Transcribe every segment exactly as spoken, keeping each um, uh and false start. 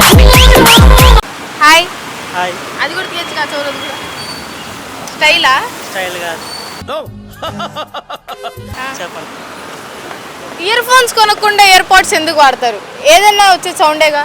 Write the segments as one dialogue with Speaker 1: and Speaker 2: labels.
Speaker 1: Hi
Speaker 2: hi.
Speaker 1: అది కూడా తీయచ్చు కదా చౌరది కూడా స్టైలా
Speaker 2: స్టైల్ కాదు. చెప్పండి.
Speaker 1: ఇయర్ ఫోన్స్ కొనకుండా ఇయర్ పాడ్స్ ఎందుకు వాడతారు? ఏదైనా వచ్చే సౌండేగా.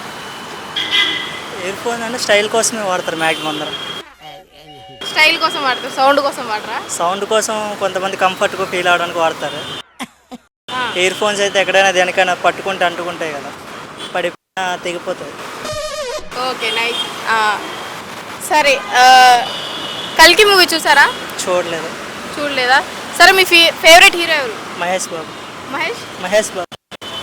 Speaker 2: ఇయర్ ఫోన్ అంటే స్టైల్ కోసమే వాడతారు మ్యాక్సిమం అందరం.
Speaker 1: స్టైల్ కోసం వాడతారు, సౌండ్ కోసం వాడరా?
Speaker 2: సౌండ్ కోసం కొంతమంది కంఫర్ట్గా ఫీల్ అవడానికి వాడతారు. ఇయర్ ఫోన్స్ అయితే ఎక్కడైనా దేనికైనా పట్టుకుంటే అంటుకుంటాయి కదా, పడిపోయినా తెగిపోతాయి.
Speaker 1: Okay nice. సరే, కల్కి మూవీ చూసారా?
Speaker 2: చూడలేదు.
Speaker 1: చూడలేదా? సరే, మీ ఫే ఫేవరెట్ హీరో ఎవరు?
Speaker 2: మహేష్ బాబు.
Speaker 1: మహేష్
Speaker 2: మహేష్ బాబు.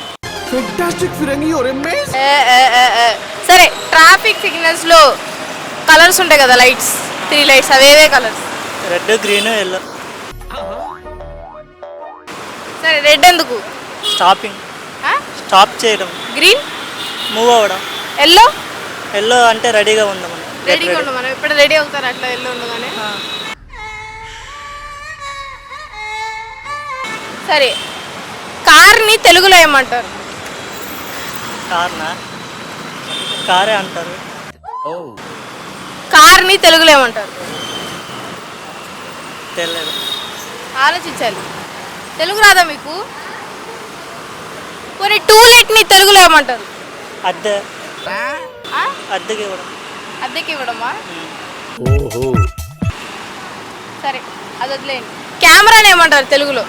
Speaker 1: ఏ, ఏ, ఏ, ఏ. సరే, ట్రాఫిక్ సిగ్నల్స్ లో కలర్స్ ఉంటాయి కదా, లైట్స్, త్రీ లైట్స్, అవేవే కలర్స్?
Speaker 2: Red, green, yellow.
Speaker 1: సరే, రెడ్ ఎందుకు?
Speaker 2: స్టాపింగ్, స్టాప్ చేయడం.
Speaker 1: గ్రీన్
Speaker 2: మూవ్ అవ్వడం.
Speaker 1: ఎల్లో
Speaker 2: ఎల్లో అంటే రెడీగా ఉందాం.
Speaker 1: రెడీగా ఉండం, మనం ఎప్పుడు రెడీ అవుతారు అట్లా ఎల్లో ఉండగానే. సరే, కార్ని తెలుగులో ఏమంటారు?
Speaker 2: కార్నా? కారే అంటారు.
Speaker 1: కార్ని తెలుగులో ఏమంటారు?
Speaker 2: తెలియదు.
Speaker 1: ఆలోచించాలి. తెలుగు రాదా మీకు? కొన్ని టూలెట్ని తెలుగులో ఏమంటారు?
Speaker 2: అద్దె.
Speaker 1: ఆ?
Speaker 2: అద్దెకి ఇవ్వడం.
Speaker 1: అద్దెకి ఇవ్వడమా? సరే, అది వదిలేయండి. కెమెరాని ఏమంటారు తెలుగులో?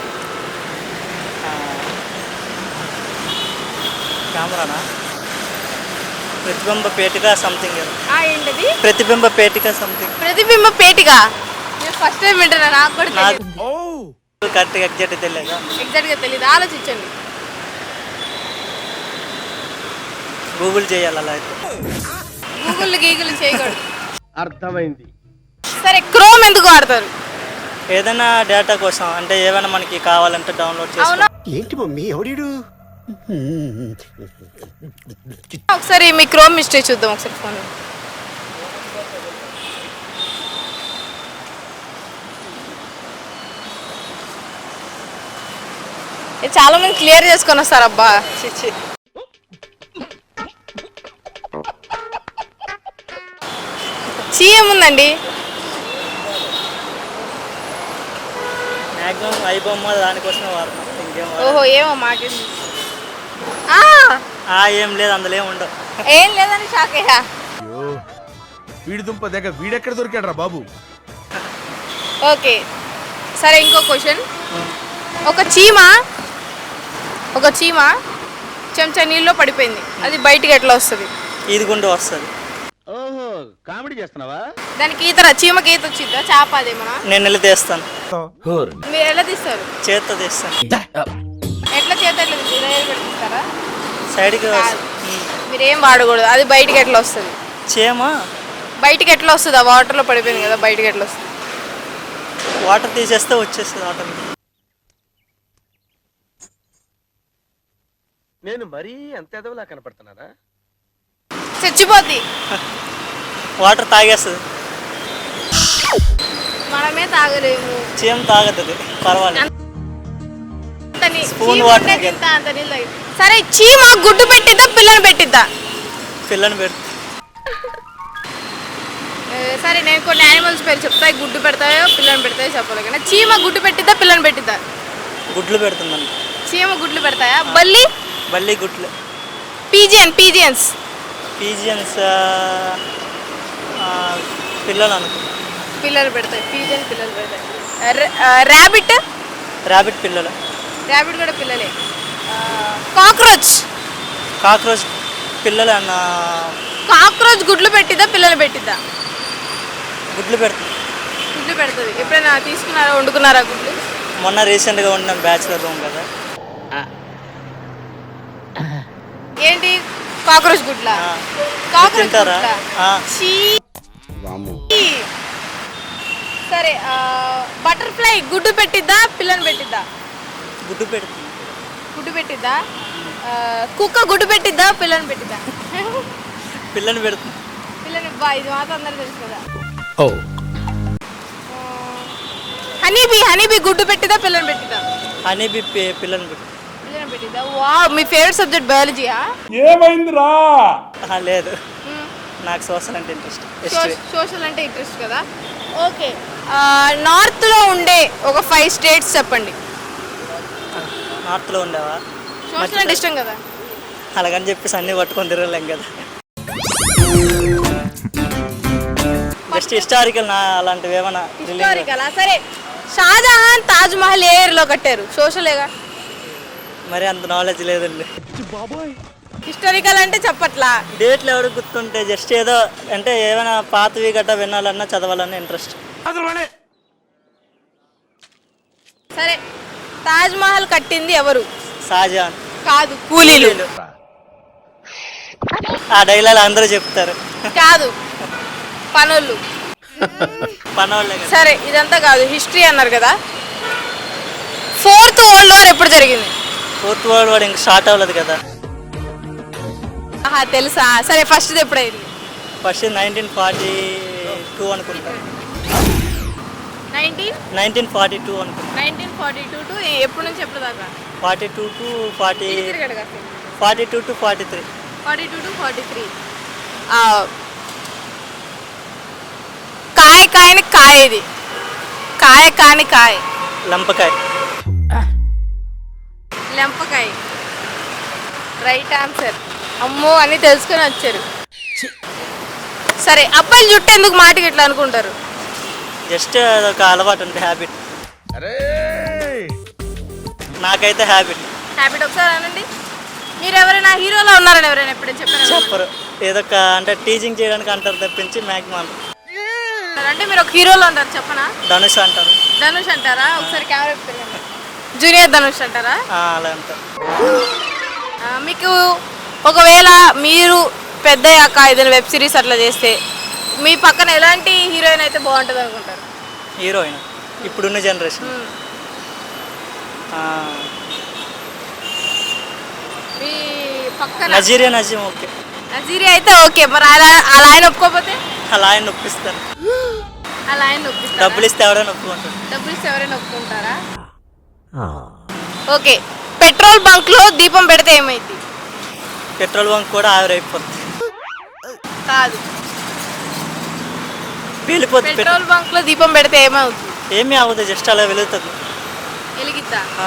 Speaker 2: కెమెరానా? ప్రతిబింబ పేటిక సంథింగ్.
Speaker 1: ఆ, ఏంటది?
Speaker 2: ప్రతిబింబ పేటిక సంథింగ్.
Speaker 1: ప్రతిబింబ పేటిగా? నేను ఫస్ట్ టైం వింటున్నా, నాకు కూడా తెలియదు.
Speaker 2: కరెక్ట్గా ఎగ్జాక్ట్ తెలియదు.
Speaker 1: ఎగ్జాక్ట్గా తెలియదు, ఆలోచించండి.
Speaker 2: గూగుల్ చేయాలి అలా అయితే.
Speaker 1: గూగుల్ గీగుల్ చేయకూడదు.
Speaker 3: అర్థమైంది.
Speaker 1: సరే, క్రోమ్ ఎందుకు వాడతారు?
Speaker 2: ఏదైనా డేటా కోసం, అంటే ఏమైనా మనకి కావాలంటే డౌన్లోడ్
Speaker 1: అవునా?
Speaker 2: చేసుకో.
Speaker 3: ఏంటి మమ్మీ ఎవడీడు?
Speaker 1: ఒకసారి మీ క్రోమ్ హిస్టరీ చూద్దాం ఒకసారి ఫోన్. చాలా మంది క్లియర్ చేసుకొని వస్తారు అబ్బా. చీ ఏముందండి?
Speaker 2: మ్యాక్సిమం ఐబొమ్మ దానికోసమే వాడతాం. ఇంకేం
Speaker 1: ఓహో, ఏమో మాకేంది.
Speaker 2: ఆ ఏం లేదు, అందులో ఏం ఉండవు.
Speaker 1: ఏం లేదని షాక్ అయ్యా.
Speaker 3: వీడి దుంప దగ్గర వీడెక్కడ దొరికాడు రా బాబు?
Speaker 1: ఓకే, సరే, ఇంకో క్వశ్చన్. ఒక చీమ ఒక చీమ చెంచా నీళ్ళలో పడిపోయింది, అది బయటికి ఎట్లా వస్తుంది?
Speaker 2: ఈదుగుండు వస్తుంది.
Speaker 3: ఓహో, కామెడీ చేస్తున్నావా?
Speaker 1: దానికి ఈత రా- చీమకి ఈత వచ్చిద్దా? చేప అదేమన్నా?
Speaker 2: నేను వెళ్ళి తీస్తాను.
Speaker 1: మీరు ఎలా తీస్తారు?
Speaker 2: చేత్తో తీస్తాను.
Speaker 1: ఎట్లా చేత ఎట్లా తీస్తారు? ఏలు పెట్టి తీస్తారా?
Speaker 2: సైడ్కి
Speaker 1: కాదు. మీరు ఏం వాడకూడదు, అది బయటికి ఎట్లా వస్తుంది?
Speaker 2: చేమ
Speaker 1: బయటికి ఎట్లా వస్తుంది? ఆ వాటర్లో పడిపోయింది కదా, బయటికి ఎట్లా వస్తుంది?
Speaker 2: వాటర్ తీసేస్తే వచ్చేస్తుంది ఆటోమేటిక్.
Speaker 3: నేను మరీ అంత ఎదవలా కనపడుతున్నారా?
Speaker 1: చచ్చిపోద్ది.
Speaker 2: వాటర్ తాగేస్తుంది.
Speaker 1: మనమే తాగలేము.
Speaker 2: చీమ తాగుతుంది, పర్వాలేదు.
Speaker 1: అంత నీ-
Speaker 2: స్పూన్
Speaker 1: చీమ
Speaker 2: వాటర్
Speaker 1: ఉండేది ఇంత, అంత నీళ్ళు తాగి- సరే, చీమ గుడ్డు పెట్టిద్దా పిల్లని పెట్టిద్దా?
Speaker 2: పిల్లని పెడుతుంది.
Speaker 1: ఏ, సరే, నేను కొన్ని యానిమల్స్ పేరు చెప్తాయి, గుడ్డు పెడతాయో పిల్లని పెడతాయో చెప్పాలి కానీ చీమ గుడ్డు పెట్టిద్దా పిల్లని పెట్టిద్దా?
Speaker 2: గుడ్లు పెడుతుందండి.
Speaker 1: చీమ గుడ్లు పెడతాయా? బల్లి?
Speaker 2: బల్లి గుడ్లు.
Speaker 1: పీజియన్ పీజియన్స్
Speaker 2: పీజియన్స్ పిల్లలు అనుకో.
Speaker 1: పిల్లలు పెడతాయి. పీజియన్ పిల్లలు పెడతాయి. ర్యాబిట్?
Speaker 2: ర్యాబిట్ పిల్లలు.
Speaker 1: ర్యాబిట్ కూడా పిల్లలే. కాక్రోచ్?
Speaker 2: కాక్రోచ్ పిల్లలు అన్న.
Speaker 1: కాక్రోచ్ గుడ్లు పెట్టిద్దా పిల్లలు పెట్టిద్దా?
Speaker 2: గుడ్లు పెడుతుంది.
Speaker 1: గుడ్లు పెడుతుంది. ఎప్పుడైనా తీసుకున్నారా, వండుకున్నారా గుడ్లు?
Speaker 2: మొన్న రీసెంట్గా ఉన్న బ్యాచులర్ రూమ్ కదా.
Speaker 1: ఏంటి కాక్రోచ్ గుడ్ల?
Speaker 2: ఆ.
Speaker 1: కాక్రోచ్
Speaker 2: తింటారా?
Speaker 1: గుడ్లా?
Speaker 2: ఆ.
Speaker 1: ఛీ. సరే, బటర్ఫ్లై గుడ్డు పెట్టిద్దా పిల్లని పెట్టిద్దా?
Speaker 2: గుడ్డు పెడుతుంది.
Speaker 1: గుడ్డు పెట్టిద్దా? ఆ, కుక్క గుడ్డు పెట్టిద్దా పిల్లని పెట్టిద్దా?
Speaker 2: పిల్లని పెడుతుంది.
Speaker 1: పిల్లని బా, ఇది మాత్రం అందరూ తెలుసు కదా.
Speaker 3: ఓ,
Speaker 1: హనీబీ హనీబీ గుడ్డు పెట్టిద్దా పిల్లని పెట్టిద్దా?
Speaker 2: హనీబీ పిల్లని పెడుతుంది.
Speaker 1: పిల్లని పెట్టిద్దా? తెలీదా? వా మీ ఫేవరెట్ సబ్జెక్ట్ బయాలజీయా?
Speaker 2: ఆహా, లేదు నాకు సోషల్ అంటే ఇంట్రెస్ట్, హిస్టరీ.
Speaker 1: సోషల్ అంటే ఇంట్రెస్ట్ కదా. ఓకే, నార్త్లో ఉండే ఒక ఫైవ్ స్టేట్స్ చెప్పండి.
Speaker 2: నార్త్లో ఉండేవా?
Speaker 1: సోషల్ అంటే ఇష్టం కదా.
Speaker 2: అలాగని చెప్పేసి అన్నీ పట్టుకొని తిరగలేం కదా. జస్ట్ హిస్టారికల్ నా అలాంటివి ఏమైనా
Speaker 1: హిస్టారికలా? సరే, షాజహాన్ తాజ్ మహల్ ఏ ఇయర్లో కట్టారు? సోషలేగా.
Speaker 2: మరి అంత నాలెడ్జ్ లేదండి.
Speaker 1: హిస్టారికల్ అంటే చెప్పట్లా.
Speaker 2: డేట్లు ఎవరు గుర్తుంటే జస్ట్ ఏదో అంటే ఏమైనా పాతవి గట్ట వినాలన్నా చదవాలన్నా ఇంట్రెస్ట్.
Speaker 1: సరే, తాజ్ మహల్ కట్టింది ఎవరు?
Speaker 2: షాజహాన్.
Speaker 1: కాదు, కూలీలు.
Speaker 2: ఆ డైలాగ్ అందరూ చెప్తారు.
Speaker 1: కాదు, పనులు.
Speaker 2: పనోళ్ళే కదా.
Speaker 1: సరే, ఇదంతా కాదు, హిస్టరీ అన్నారు కదా. ఫోర్త్ వరల్డ్ వార్ ఎప్పుడు జరిగింది?
Speaker 2: ఫోర్త్ వరల్డ్ వార్ ఇంకా స్టార్ట్ అవ్వలేదు కదా.
Speaker 1: ఆహా, తెలుసా? సరే, ఫస్ట్ ఎప్పుడైంది?
Speaker 2: ఫస్ట్ నైన్టీన్ ఫార్టీ టూ అనుకుంటా.
Speaker 1: నైన్టీన్
Speaker 2: నైన్టీన్ ఫార్టీ టూ అనుకుంటా.
Speaker 1: నైన్టీన్ ఫార్టీ టూ టు ఎప్పుడు నుంచి ఎప్పుడు దాకా?
Speaker 2: Forty two to forty forty two to forty three
Speaker 1: forty two to forty three కాయ కాయని కాయ ఇది. కాయ కాని కాయ.
Speaker 2: లంపకాయ.
Speaker 1: లెంపకాయ. Right answer. అమ్మో అని తెలుసుకొని వచ్చారు. సరే, అబ్బాయిలు జుట్టు ఎందుకు మాటకి ఇట్లా అనుకుంటారు?
Speaker 2: జస్ట్ అదొక అలవాటు అంటే హ్యాబిట్.
Speaker 3: అరే
Speaker 2: నాకైతే హ్యాబిట్.
Speaker 1: హ్యాబిట్. ఒకసారి అనండి. మీరు ఎవరైనా హీరోలో ఉన్నారని ఎవరైనా ఎప్పుడైనా చెప్పారు?
Speaker 2: చెప్పరు. ఏదో ఒక అంటే టీచింగ్ చేయడానికి అంటారు తప్పించి మ్యాక్సిమం.
Speaker 1: అంటే మీరు ఒక హీరోలో ఉంటారు, చెప్పనా?
Speaker 2: ధనుష్ అంటారు.
Speaker 1: ధనుష్ అంటారా? ఒకసారి కెమెరా పెట్టుకోండి. జూనియర్ ధనుష్ అంటారా?
Speaker 2: ఆ, అలా అంటారు.
Speaker 1: ఆ, మీకు ఒకవేళ మీరు పెద్దయ్యాక ఏదైనా వెబ్ సిరీస్ అట్లా చేస్తే మీ పక్కన ఎలాంటి హీరోయిన్ అయితే బాగుంటుంది అనుకుంటారు?
Speaker 2: హీరోయిన్ ఇప్పుడున్న జనరేషన్
Speaker 1: మ్మ్. మీ పక్కన
Speaker 2: నజీరియా నజీం. ఓకే,
Speaker 1: నజీరి అయితే ఓకే. మరి అలా అలా ఆయన ఒప్పుకోకపోతే?
Speaker 2: అలా ఆయన నొప్పిస్తారు.
Speaker 1: అలా ఆయన ఒప్పిస్తారు.
Speaker 2: డబ్బులు ఇస్తే ఎవరైనా ఒప్పుకుంటారు.
Speaker 1: డబ్బులు ఇస్తే ఎవరైనా ఒప్పుకుంటారా? ఓకే, పెట్రోల్ బంక్ లో దీపం పెడితే ఏమైంది?
Speaker 2: పెట్రోల్ బంక్ కూడా ఆవిరైపోతుంది.
Speaker 1: కాదు,
Speaker 2: వెళ్ళిపోతుంది.
Speaker 1: పెట్రోల్ బంక్ లో దీపం పెడితే ఏమవుతుంది?
Speaker 2: ఏమీ అవ్వదు, జస్ట్ అలా వెలుగుతుంది.
Speaker 1: వెలిగిద్దా?
Speaker 2: ఆ,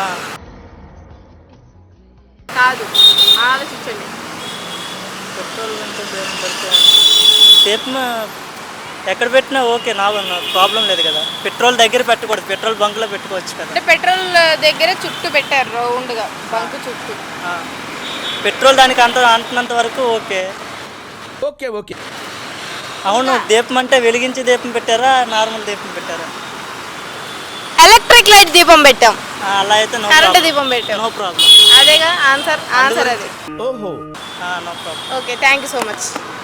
Speaker 1: కాదు, ఆలోచించండి.
Speaker 2: పెట్రోల్ బంక్ దీపం పెడితే దీపం ఎక్కడ పెట్టినా ఓకే, నాకు ప్రాబ్లం లేదు కదా. పెట్రోల్ దగ్గర పెట్టకూడదు, పెట్రోల్ బంక్లో పెట్టుకోవచ్చు కదా.
Speaker 1: అంటే పెట్రోల్ దగ్గర చుట్టూ పెట్టారు రౌండ్గా, బంక్ చుట్టూ.
Speaker 2: ఆ, పెట్రోల్ దానికి అంత అంటున్నంత వరకు ఓకే.
Speaker 3: ఓకే ఓకే
Speaker 2: అవును, దీపం అంటే వెలిగించి దీపం పెట్టారా, నార్మల్ దీపం పెట్టారా?
Speaker 1: ఎలక్ట్రిక్ లైట్ దీపం పెట్టాం.
Speaker 2: ఆ, అలా అయితే నో
Speaker 1: కరెంట్ దీపం పెట్టాం.
Speaker 2: No problem.
Speaker 1: అదేగా ఆన్సర్. ఆన్సర్ అది.
Speaker 3: ఓహో
Speaker 2: no problem.
Speaker 1: Okay, thank you so much.